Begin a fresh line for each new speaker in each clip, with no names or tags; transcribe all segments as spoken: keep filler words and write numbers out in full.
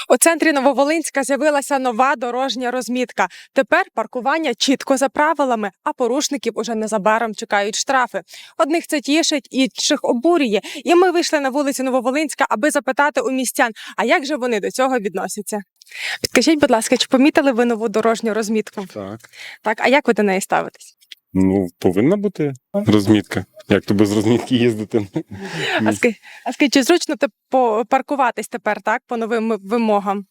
У центрі Нововолинська з'явилася нова дорожня розмітка. Тепер паркування чітко за правилами, а порушників уже незабаром чекають штрафи. Одних це тішить, інших обурює. І ми вийшли на вулицю Нововолинська, аби запитати у містян, а як же вони до цього відносяться. Підкажіть, будь ласка, чи помітили ви нову дорожню розмітку?
Так.
Так, а як ви до неї ставитесь?
Ну, повинна бути розмітка. Як то без розмітки їздити?
А скажіть, а скажіть, чи зручно те- по- паркуватись тепер, так, по новим вимогам?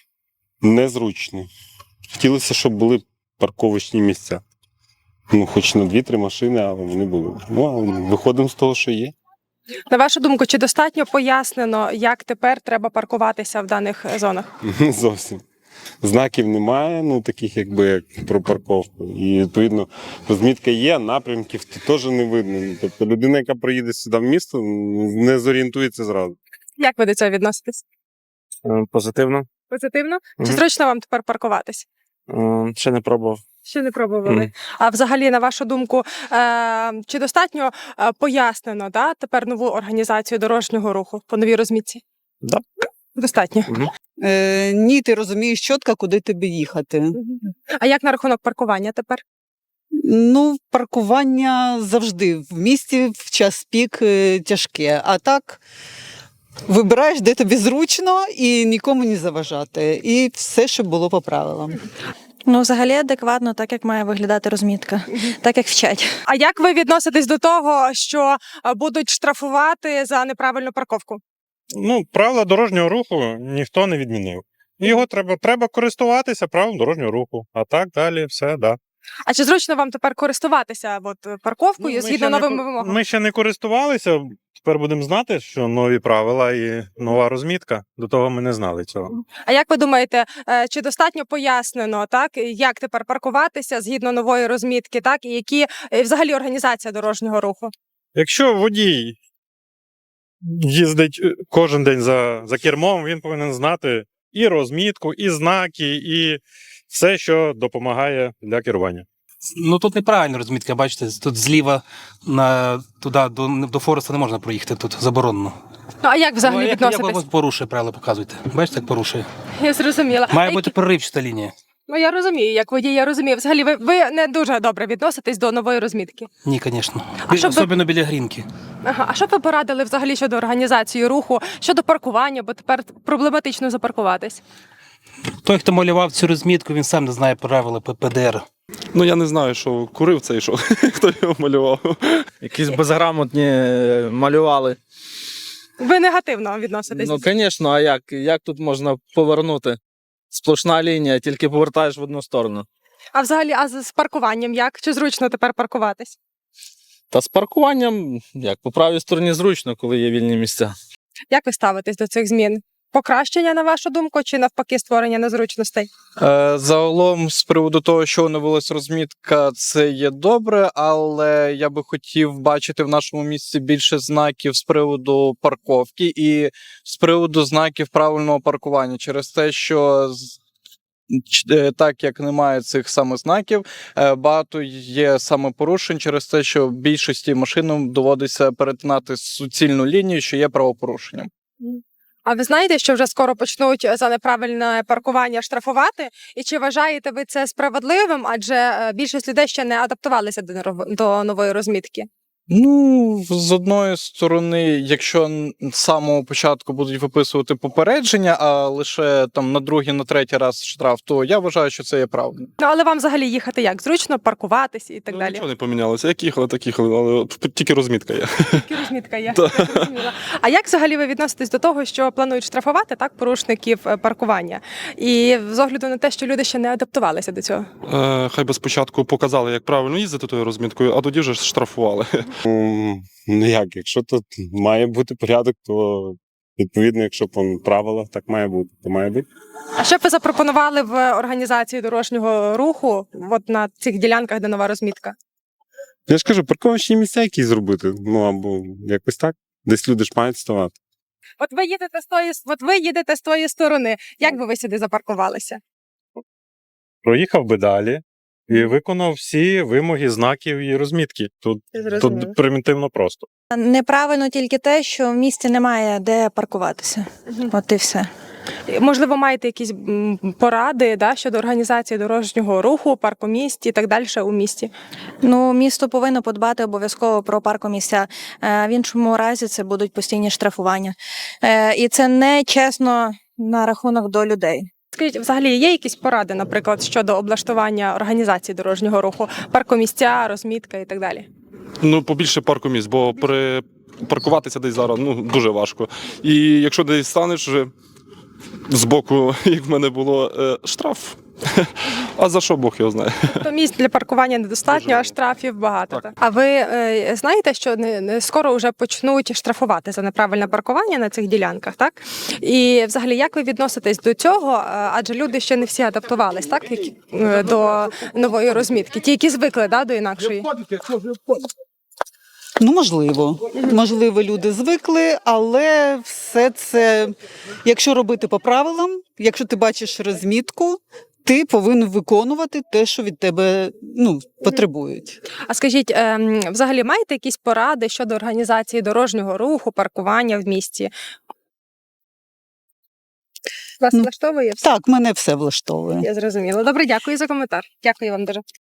Незручно. Хотілося, щоб були парковочні місця. Ну, хоч на дві-три машини, але вони були. Ну, а виходимо з того, що є.
На вашу думку, чи достатньо пояснено, як тепер треба паркуватися в даних зонах?
Не зовсім. Знаків немає, ну таких якби як про парковку. І відповідно розмітка є, напрямків то теж не видно. Ну, Тобто людина, яка приїде сюди в місто, не зорієнтується зразу.
Як ви до цього відноситесь?
Е, Позитивно.
Позитивно? Чи
Мгм.
зручно вам тепер паркуватись?
Е, Ще не пробував.
Ще не пробували.
Мгм.
А взагалі, на вашу думку, е- чи достатньо е, пояснено, да, тепер нову організацію дорожнього руху по новій розмітці?
Да.
Достатньо.
Е, ні, ти розумієш чітко, куди тобі їхати.
А як на рахунок паркування тепер?
Ну, паркування завжди в місті в час пік е, тяжке. А так вибираєш, де тобі зручно і нікому не заважати. І все, щоб було по правилам.
Ну, взагалі адекватно, так як має виглядати розмітка, так як вчать.
А як ви відноситесь до того, що е, будуть штрафувати за неправильну парковку?
Ну, правила дорожнього руху ніхто не відмінив. Його треба, треба користуватися правилом дорожнього руху. А так далі все, да.
А чи зручно вам тепер користуватися от, парковкою
Ну, ми
згідно
ще не
новим
ко-
вимогам?
Ми ще не користувалися, тепер будемо знати, що нові правила і нова розмітка. До того ми не знали цього.
А як ви думаєте, е, чи достатньо пояснено, так, як тепер паркуватися згідно нової розмітки, так, і які е, взагалі організація дорожнього руху?
Якщо водій їздить е, кожен день за, за кермом, він повинен знати і розмітку, і знаки, і все, що допомагає для керування.
Ну тут неправильна розмітка, бачите, тут зліва на туди до, до Фореста не можна проїхати, тут заборонено.
Ну, а як взагалі
Ну, а як,
відноситесь?
як порушує правила, показуйте. Бачите, як порушує.
Я зрозуміла.
Має
А
бути
які-
проривчата лінія.
Ну, я розумію, як водій, я розумію. Взагалі, ви, ви не дуже добре відноситесь до нової розмітки.
Ні, звісно.
А щоб ви-
Особливо біля грінки.
Ага. А що б ви порадили взагалі щодо організації руху, щодо паркування, бо тепер проблематично запаркуватись?
Той, хто малював цю розмітку, він сам не знає правила П П Д Р.
Ну я не знаю, що курив цей, що хто його малював.
Якісь безграмотні е, малювали.
Ви негативно відноситесь?
Ну, звісно, а як? Як тут можна повернути? Сплошна лінія, тільки повертаєш в одну сторону.
А взагалі, а з з паркуванням як? Чи зручно тепер паркуватись?
Та з паркуванням, як, по правій стороні зручно, коли є вільні місця.
Як ви ставитесь до цих змін? Покращення, на вашу думку, чи навпаки створення незручностей?
Е, загалом, з приводу того, що оновилась розмітка, це є добре, але я би хотів бачити в нашому місті більше знаків з приводу парковки і з приводу знаків правильного паркування. Через те, що з- ч- е, так як немає цих саме знаків, е, багато є саме порушень через те, що більшості машинам доводиться перетинати суцільну лінію, що є правопорушенням.
А ви знаєте, що вже скоро почнуть за неправильне паркування штрафувати? І чи вважаєте ви це справедливим? Адже е, більшість людей ще не адаптувалися до неров- до нової розмітки.
Ну, з одної сторони, якщо н- з самого початку будуть виписувати попередження, а лише там на другий, на третій раз штраф, то я вважаю, що це є правильно.
Ну, але вам взагалі їхати як? Зручно паркуватись і так
Ну,
далі?
Нічого не помінялося. Як їхали, так їхали, але от тільки розмітка є.
Тільки розмітка є. Я зрозуміла. А як взагалі ви відноситесь до того, що планують штрафувати так порушників е, паркування? І з огляду на те, що люди ще не адаптувалися до цього?
Е, хай би спочатку показали, як правильно їздити тою розміткою, а тоді вже штрафували.
М, Ну як, якщо тут має бути порядок, то відповідно, якщо по правилах так має бути, то має бути.
А що б ви запропонували в організації дорожнього руху от на цих ділянках, де нова розмітка?
Я ж кажу, парковочні місця якісь зробити. Ну або якось так. Десь люди ж мають ставати.
От ви їдете з тої, от ви їдете з тої сторони. Як би ви сюди запаркувалися?
Проїхав би далі і виконав всі вимоги знаків і розмітки. Тут, тут примітивно просто.
Неправильно тільки те, що в місті немає де паркуватися. От і все.
Можливо, маєте якісь м, поради, да, щодо організації дорожнього руху, паркомісць і так далі у місті?
Ну, місто повинно подбати обов'язково про паркомісця. Е, В іншому разі це будуть постійні штрафування. Е, І це не чесно на рахунок до людей.
Скажіть, взагалі є якісь поради, наприклад, щодо облаштування організації дорожнього руху, паркомісця, розмітка і так далі?
Ну, побільше паркомісць, бо при паркуватися десь зараз ну, дуже важко. І якщо десь станеш вже збоку, як в мене було, е, штраф. А за що Бог його знає?
То місць для паркування недостатньо, а штрафів багато.
Так.
Так. А ви е, знаєте, що не, не скоро вже почнуть штрафувати за неправильне паркування на цих ділянках, так? І взагалі, як ви відноситесь до цього? Е, Адже люди ще не всі адаптувались, так, які, е, до нової розмітки, ті, які звикли, да, до інакшої.
Ну, можливо. Можливо, люди звикли, але все це, якщо робити по правилам, якщо ти бачиш розмітку, ти повинен виконувати те, що від тебе ну, потребують.
А скажіть, е, взагалі маєте якісь поради щодо організації дорожнього руху, паркування в місті? Вас
Ну,
влаштовує все?
Так, мене все влаштовує.
Я зрозуміла. Добре, дякую за коментар. Дякую вам дуже.